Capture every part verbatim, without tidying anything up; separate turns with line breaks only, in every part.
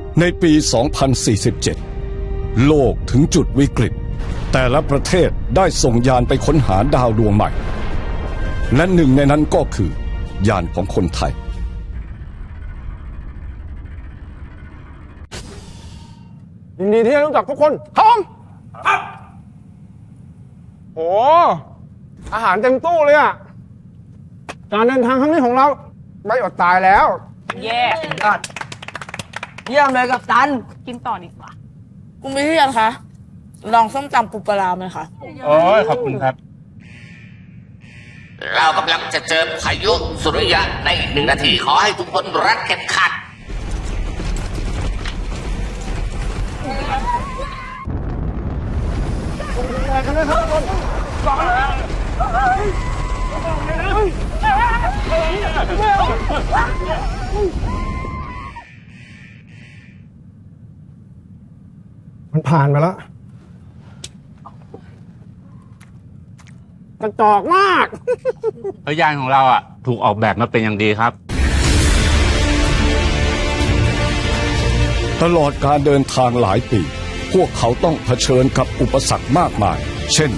ในปี สองพันสี่สิบเจ็ด โลกถึงจุดวิกฤตแต่ละประเทศได้ส่งยานไปค้นหาดาวดวงใหม่และหนึ่งในนั้นก็คือยานของคนไทย
ยินดีที่ได้รู้จักทุกคนครับผมครับโอ้อาหารเต็มตู้เลยอ่ะการเดินทางครั้งนี้ของเราไม่อดตายแล้ว
แย่
ยอดเยี่ยมเลยกับตัน
กินต่อดีกว่า
คุณพิเทียนคะ ลองส้มตำปูปลาไหมคะ
โอ้ยขอบคุณครับ
เรากำลังจะเจอพายุสุริยะในอีกหนึ่งนาที ขอให้ทุกคนรัดเข็มขัด
มันผ่านไปแล้วกระจอกมาก
เพราะยานของเราอ่ะถูกออกแบบมาเป็นอย่างดีครับ
ตลอดการเดินทางหลายปี พวกเขาต้องเผชิญกับอุปสรรคมากมาย เช่น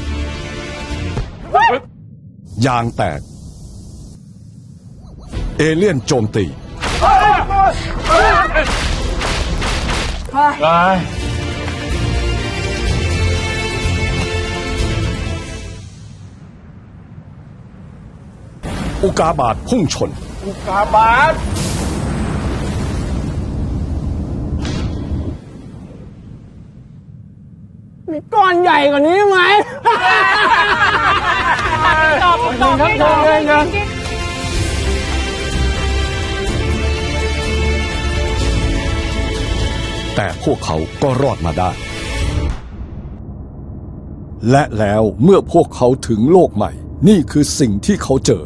ยางแตก เอเลี่ยนโจมตี อุกาบาตพุ่งชน
อุกาบาตมีก้อนใหญ่กว่านี้ไหม
ตอบตอบไม่ตอบเลยนะ
แต่พวกเขาก็รอดมาได้ และแล้วเมื่อพวกเขาถึงโลกใหม่ นี่คือสิ่งที่เขาเจอ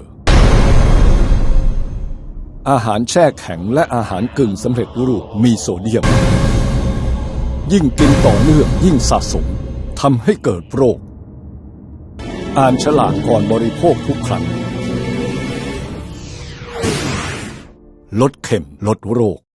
อาหารแช่แข็งและอาหารกึ่งสำเร็จรูปมีโซเดียม ยิ่งกินต่อเนื่องยิ่งสะสมทำให้เกิดโรค อ่านฉลากก่อนบริโภคทุกครั้งลดเข็มลดโรค